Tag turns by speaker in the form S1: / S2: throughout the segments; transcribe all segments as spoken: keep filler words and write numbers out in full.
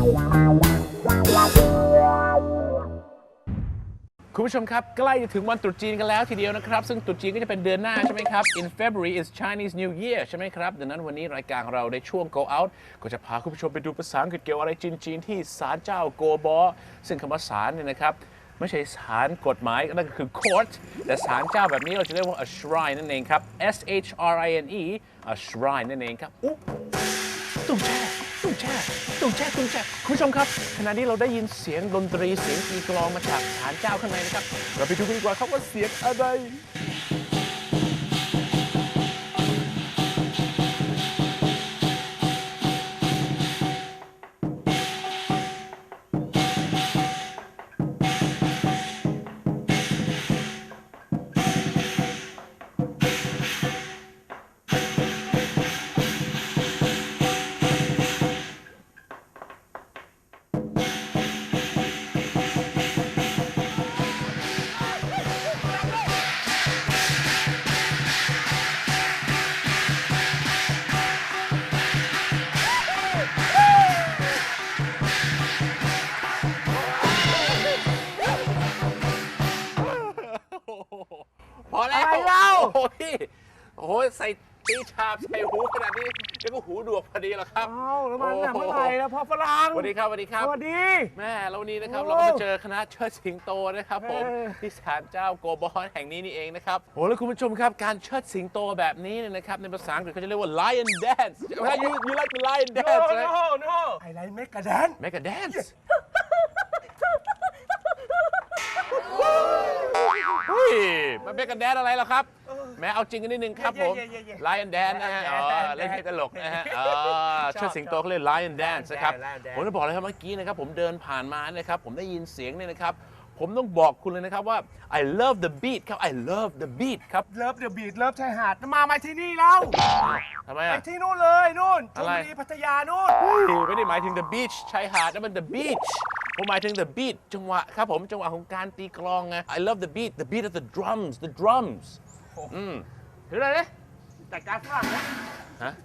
S1: คุณผู้ชมครับใกล้จะถึงวันตรุษจีนกันแล้วทีเดียวนะครับซึ่งตรุษจีนก็จะเป็นเดือนหน้าใช่ไหมครับ In February is Chinese New Year ใช่ไหมครับดังนั้นวันนี้รายการของเราในช่วง Go Out ก็จะพาคุณผู้ชมไปดูภาษาอังกฤษเกี่ยวอะไรจีนๆที่ศาลเจ้าโกบอซึ่งคำว่าศาลเนี่ยนะครับไม่ใช่ศาลกฎหมายนั่นก็คือ court แต่ศาลเจ้าแบบนี้เราจะเรียกว่า a shrine นั่นเองครับ S H R I N E a shrine นั่นเองครับอุ๊ตุ้งแช่ตุ้งแช่ตุ้งแช่ตุ้งแช่คุณผู้ชมครับขณะนี้เราได้ยินเสียงดนตรีเสียงตีกลองมาจากศาลเจ้าข้างในนะครับเราไปดูกันดีกว่าครับว่าเสียงอะไรพอแล้วอะไรเล่าโอ้ยโอ้ยใส่ตีชาบใส่หูขนาดนี้เดี๋ยวก็หูดวกพอดีหรอครับ
S2: อ้าวแล้วมันเมื่อไหร่แล้วพ่อฝรั่ง
S1: สวัสดีครับสวัสดีครับ
S2: สวัสดี
S1: แม่แล้ววันนี้นะครับเราก็มาเจอคณะเชิดสิงโตนะครับผมที่ศาลเจ้าโกบอนแห่งนี้นี่เองนะครับโอ้แล้วคุณผู้ชมครับการเชิดสิงโตแบบนี้เนี่ยนะครับในภาษาอังกฤษเขาจะเรียกว่า lion dance you you like the lion dance
S2: no no no I like make a dance
S1: make a dance เฮ้ยมันเป็นกันแดนอะไรล่ะครับแม้เอาจริงกันนิดนึงครับผม Lion Dance นะฮะเล่นให้ตลกนะฮะเชิดสิงโตเขาเรียก Lion Dance นะครับผมจะบอกเลยครับเมื่อกี้นะครับผมเดินผ่านมานะครับผมได้ยินเสียงเนี่ยนะครับผมต้องบอกคุณเลยนะครับว่า I love the beat ครับ I love the beat ครับ
S2: Love the beat Love ชายหาดมามาที่นี่แล้ว
S1: ทำไม
S2: ไป
S1: อ่ะ
S2: ที่นู่นเลยนู่นช
S1: อะ
S2: ล
S1: ไร
S2: บุรีพัทยานู่น
S1: ไม่ได้หมายถึง the beach ชายหาดนั่นมัน the beach ผมหมายถึง the beat จังหวะครับผมจังหวะของการตีกลองไง I love the beat the beat of the drums the drums อืมถืออะไรเนี่ย
S2: แต่การฝรั่งนะ
S1: ฮะ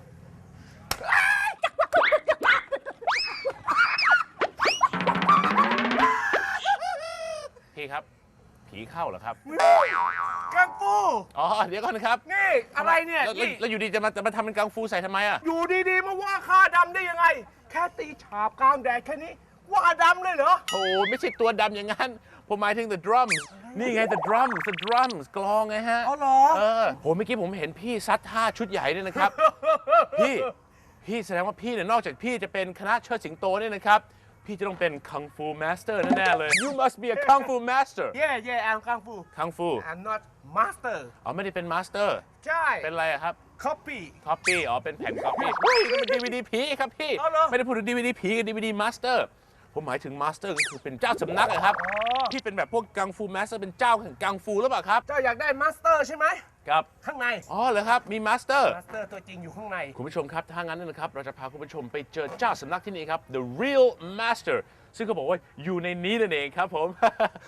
S1: พี่ครับผีเข้าเหรอครับ
S2: กังฟู
S1: อ๋อเดี๋ยวก่อนนะครับ
S2: นี่อะไรเนี่ย
S1: แล้วอยู่ดีจะมาจะมาทำเป็นกังฟูใส่ทำไมอ่ะ
S2: อยู่ดีๆมาว่าข้าดำได้ยังไงแค่ตีฉาบกลางแดดแค่นี้ว่าดำเลยเหรอ
S1: โอ้ไม่ใช่ตัวดำอย่างนั้นผมหมายถึง the drums นี่ไง the drums the drums กลองไงฮะ
S2: อ๋อเหรอ
S1: เออโหเมื่อกี้ผมเห็นพี่ซัดท่าชุดใหญ่ด้วยนะครับ พี่พี่แสดงว่าพี่เนี่ยนอกจากพี่จะเป็นคณะเชิดสิงโตเนี่ยนะครับพี่จะต้องเป็นคังฟูมาสเตอร์แน่ๆเลย you must be a kung fu master
S2: yeah yeah I'm กังฟู
S1: คังฟู
S2: I'm not master
S1: อ๋อไม่ได้เป็นมาสเตอร์
S2: ใช่
S1: เป็นอะไรครับ
S2: copy
S1: copy อ๋อเป็นแผ่น copy เฮ้ยนี่มัน ดี วี ดี ผีครับพี่ไม่ได้พูดถึง ดี วี ดี ผีกับ ดี วี ดี masterผมหมายถึงมาสเตอร์ก็คือเป็นเจ้าสำนักนะครับที่เป็นแบบพวกกังฟูมาสเตอร์เป็นเจ้าแห่งกังฟูหรือเปล่าครับ
S2: เจ้าอยากได้มาสเตอร์ใช่ไหม
S1: ครับ
S2: ข้างใน
S1: อ๋อเหรอครับมีมาสเตอร์
S2: มาสเตอร์ตัวจริงอยู่ข้างใน
S1: คุณผู้ชมครับถ้างั้นนะครับเราจะพาคุณผู้ชมไปเจอเจ้าสำนักที่นี่ครับ the real master ซึ่งเขาบอกว่าอยู่ในนี้นั่นเองครับผม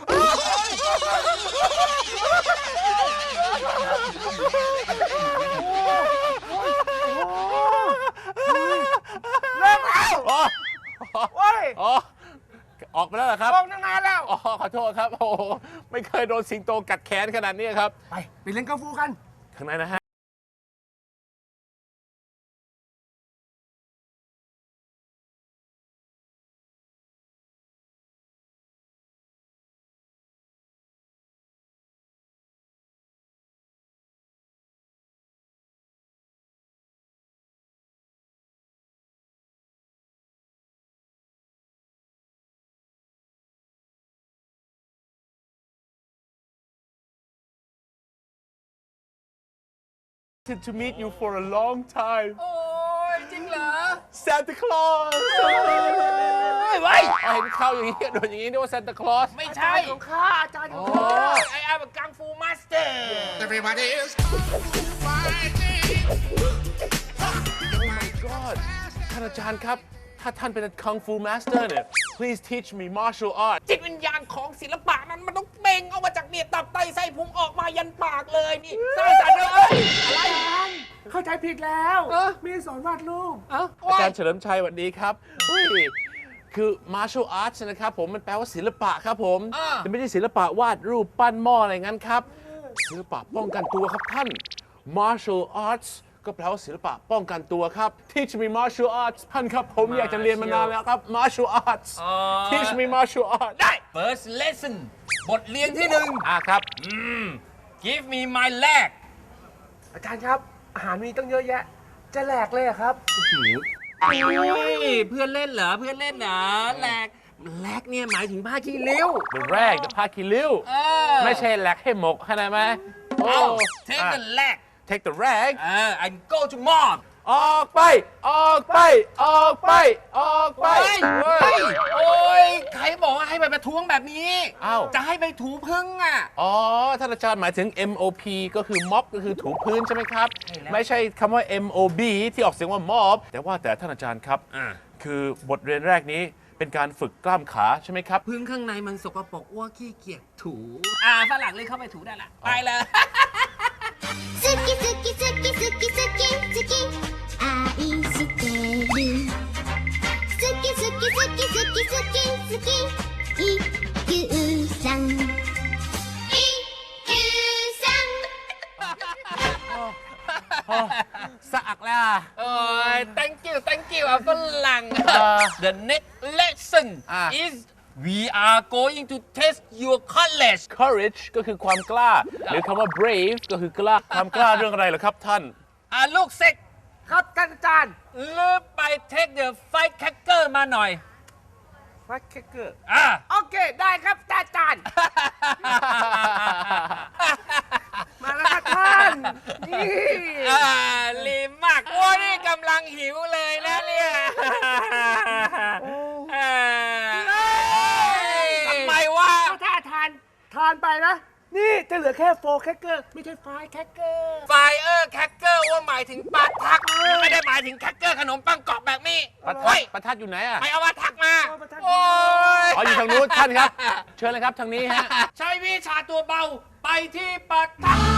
S2: เลิกแล้วโอ้ย
S1: อ๋อออกไปแล้วเหรอครับ
S2: ออกตั้งนานแล้ว
S1: อ๋อขอโทษครับโอ้ไม่เคยโดนสิงโตกัดแขนขนาดนี้ครับ
S2: ไปไปเล่นกังฟูกัน
S1: ข้างในนะฮะto meet you for a long time
S2: โอ้ยจริงเหรอ
S1: Santa Claus ไว้เห็นเข้าอย่างนี้โดนอย่างนี้นึกว่า Santa Claus
S2: ไม่ใช่ของข้าอาจารย์ของข้าไอ้ไอ้แบบกังฟูมาสเตอร์
S3: Everybody is fighting
S1: Oh my God ท่านอาจารย์ครับถ้าท่านเป็น Kung Fu Master เนี่ย please teach me martial art
S4: จิตวิญญาณของศิลปะนั้นมันต้องเบ่งออกมาจากเนี่ยตับไตไส้พุงออกมายันปากเลยนี่สร้างสรรค์เลยอะไร
S2: เข้าใจผิดแล้ว มีสอนวาดรูป
S1: อาจารย์เฉลิมชัยสวัสดีครับอุ้ยคือ martial arts นะครับผมมันแปลว่าศิลปะครับผม
S4: อ่า
S1: แต่ไม่ใช่ศิลปะวาดรูปปั้นหม้ออะไรงั้นครับศิลปะป้องกันตัวครับท่าน martial arts ก็แปลว่าศิลปะป้องกันตัวครับ teach me martial arts ท่านครับผมอยากจะเรียนมานานแล้วครับ martial arts teach me martial arts
S4: ได้ first lesson บทเรียนที่หนึ่ง
S1: อ่ะครับ
S4: give me my leg
S2: อาจารย์ครับ อาหารมีตั้งเยอะแยะ จะแหลกเลยเหรอครับ
S4: โอ้ยเพื่อนเล่นเหรอเพื่อนเล่นเหรอแลกแลกเนี่ยหมายถึงผ้าขี้ริ้ว
S1: the rag the ผ้าคีริ้ว
S4: เออ
S1: ไม่ใช่แหลกให้หมกเข้าใจไหมโอ้
S4: เอา take
S1: อ่ะ
S4: the leg
S1: take the rag
S4: เออ and go to mob
S1: ออกไป ออกไป ออกไป ออกไป
S4: เฮ้ย
S1: เว้
S4: เฮ้
S1: ย
S4: ยโอ้ยใครบอกว่าให้ไปประท้วงแบบนี้
S1: อ้าว
S4: จะให้ไปถูพึ่งอ่ะ
S1: อ๋อ ท่านอาจารย์หมายถึง M O P ก็คือ ม็อบ ก็คือถูพื้นใช่ไหมครับ
S4: ใช่แล้ว
S1: ไม่ใช่คำว่า M O B ที่ออกเสียงว่า ม็อบ แต่ว่าแต่ท่านอาจารย์ครับ
S4: อ่า
S1: คือบทเรียนแรกนี้เป็นการฝึกกล้ามขาใช่ไหมครับ
S4: พึ่งข้างในมันสกปรกอ้วกขี้เกียจถู อ่าฝรั่งเลยเข้าไปถูได้ละไปเลย
S5: 好き好き好き好き好き好き愛してる好き好き好き好き好き好き一休さん一休さん
S1: สะอักแล้ว
S4: โอ้ย thank you thank you อ่ะฝรั่ง
S1: อ่า
S4: the next lesson
S1: อ่า
S4: is we are going to test your courage
S1: courage ก็คือความกล้า หรือคำว่า brave ก็คือกล้า ความกล้าเรื่องอะไรเหรอครับท่าน
S4: อ่าลูกเซ็ก
S2: ครับท่านอาจารย์
S4: ลืมไป take the firecracker มาหน่อย
S2: ฟักเคเกอร์
S4: อ่า
S2: โอเค ได้ครับอาจารย์ มาแล้วครับท่าน นี่
S4: อ่าลีมากโอ้ยนี่กำลังหิวเลยนะเนี่ยอ่าทำไมวะ
S2: ถ้าทาน ทานไปนะ นี่จะเหลือแค่โฟร์แคคเกอร์ ไม่ใช่ไฟแคคเกอร์
S4: ไฟเออร์แคคเกอร์ว่าหมายถึงปลาทัก ไม่ได้หมายถึงแคคเกอร์ขนมปังกรอบแบบนี้
S1: ประทั
S4: เฮ้
S1: ด
S4: ย
S1: ประทัดอยู่ไหนอ่ะ
S4: ไปเอามาทักมา
S2: เอามาทัก
S4: โอ้ย
S1: อ๋ออยู่ทางนู้นท่านครับ เชิญเลยครับทางนี้ฮะ
S4: ใช้วิชาตัวเบาไปที่ปลาทัก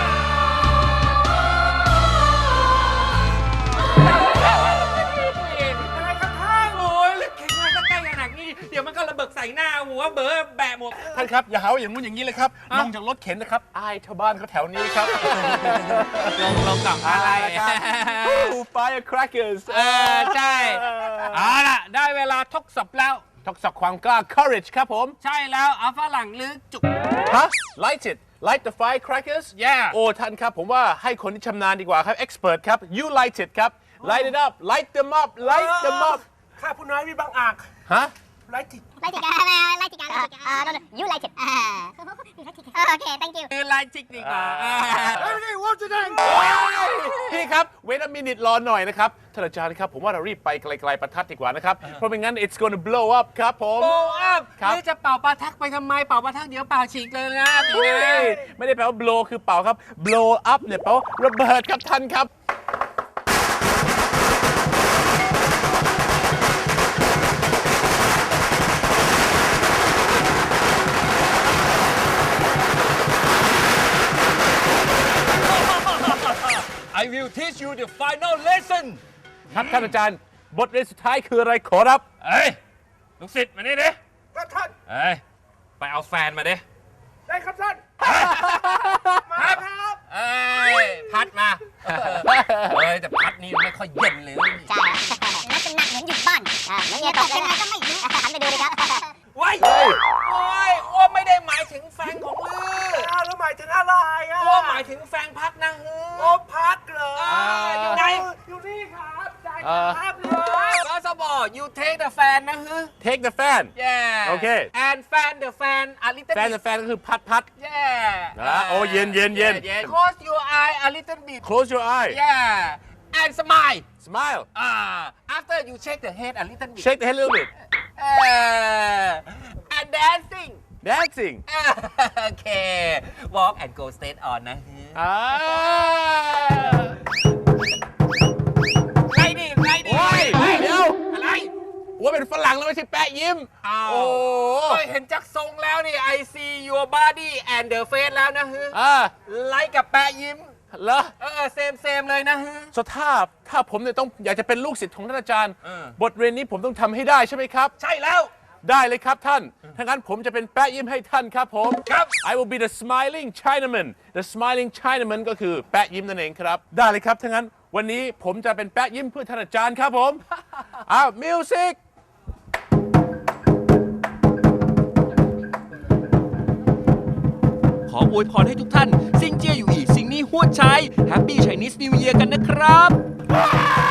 S2: อะไรครับท่าน
S4: โอ้ยแล้วแข็งแรงก็ใกล้ขนาดนี้ เดี๋ยวมันก็ระเบิดใส่หน้าหัวเบอแบะหมด
S1: ท่านครับอย่าหาว่าอย่างงู้นอย่างนี้เลยครับ ลงจากรถเข็นนะครับ อายชาวบ้านเขาแถวนี้ครับ
S4: ลงลงกับอะไร
S1: firecrackers
S4: เออใช่เอาล่ะ ได้เวลาทดสอบแล้ว
S1: ทดสอบความกล้า courage ครับผม
S4: ใช่แล้วเอาฝรั่งลึกจุก
S1: ฮะ light it light the firecrackers
S4: Yeah
S1: โอ้ท่านครับ ผมว่าให้คนที่ชำนาญดีกว่าครับ expert ครับ you light it ครับ light it up light them up light them up
S2: ข้าผู้น้อยมีบางอาก
S1: ฮะ
S2: ไรติด
S5: Light it, uh, light it, uh, uh, no, no, you light it. Uh, okay, thank you.
S4: คือลายจิกดีกว่า
S2: เฮ้ยนี่ว่าจะได้
S1: พี่ครับ wait a minute รอหน่อยนะครับท่านอาจารย์ครับ ผมว่าเรารีบไปไกลๆประทัดดีกว่านะครับ เพราะไม่งั้น it's gonna blow up ครับผม
S4: โบอัพ
S1: ครับ
S4: นี่จะเป่าปลาทักไปทำไม เป่าปลาทักเดี๋ยวเป่าฉีกเลยนะตี
S1: เฮ้
S4: นะ
S1: ยไม่ได้แปลว่า blow คือเป่าครับ blow up เนี่ยแปลว่าระเบิดครับท่านครับ
S4: I will teach you the final lesson
S1: ครับท่านอาจารย์ บทเรียนสุดท้ายคืออะไรขอรับ
S4: เอ้ย ลูกศิษย์มานี่ดิ
S2: ครับท่าน
S4: เอ้ย ไปเอาแฟนมาดิ
S2: ได้ครับท่าน มาครับ
S4: เอ้ย พัดมา เอ้ย แต่พัดนี่ไม่ค่อยเย็นเลย
S5: ใช่ลักษณะเหมือนอยู่บ้านอ่าเหมือนเมียตกยังไงก็ไม่รู้หันไปดูเลยครับ
S4: ว้ายโอ้ยอ้วไม่ได้หมายถึงแฟนของลือ
S2: อ้าวแล้วหมายถึงอะไรอ่ะ
S4: อ้วหมายถึงแฟนพัดนะฮื
S2: โอ้
S4: อ
S2: พักเหรอ
S4: อ่าอยู่ไหน
S2: อยู่นี่ครับได้ค
S1: อ่า
S2: รับเลย
S4: First of all you take the fan นะฮือ
S1: take the fan
S4: Yeah
S1: โอเค
S4: and fan the fan a little
S1: แฟน
S4: bit
S1: แต่แฟนก็คือพัดพัด
S4: Yeah
S1: อ่าโอ้เย็นเย็นเย็น
S4: Close your eye a little bit
S1: close your eye
S4: Yeah and smile
S1: smile
S4: Ah after you shake the head a little bit
S1: shake the head a little bit
S4: uh, and dancing
S1: dancing
S4: Okay walk and go straight on นะฮือ
S1: อ่า
S4: ไล่ดิไล่ดิ
S1: โอ้ยเดี๋ยว
S4: อะไร
S1: ว่าเป็นฝรั่งแล้วไม่ใช่แปะยิ้ม
S4: อ้าว
S1: โอ้
S4: โอ้ยเห็นจักทรงแล้วนี่ I see your body and the face แล้วนะฮือ
S1: อ่า
S4: ไล่กับแปะยิ้ม
S1: เหรอ
S4: เออเซมเซมเลยนะ
S1: สถ้าถ้าผมเนี่ยต้องอยากจะเป็นลูกศิษย์ของท่านอาจารย์
S4: เออ
S1: บทเรียนนี้ผมต้องทำให้ได้ใช่ไหมครับ
S4: ใช่แล้ว
S1: ได้เลยครับท่าน ถ้างั้นผมจะเป็นแปะยิ้มให้ท่านครับผม
S4: ครับ
S1: I will be the smiling Chinaman the smiling Chinaman ก็คือแปะยิ้มนั่นเองครับ ได้เลยครับถ้างั้นวันนี้ผมจะเป็นแปะยิ้มเพื่อท่านอาจารย์ครับผม อ้าวมิวสิก
S6: ขออวยพรให้ทุกท่านซิงเจียอยู่อีกสิ่งนี้หัวใจ Happy Chinese New Year กันนะครับ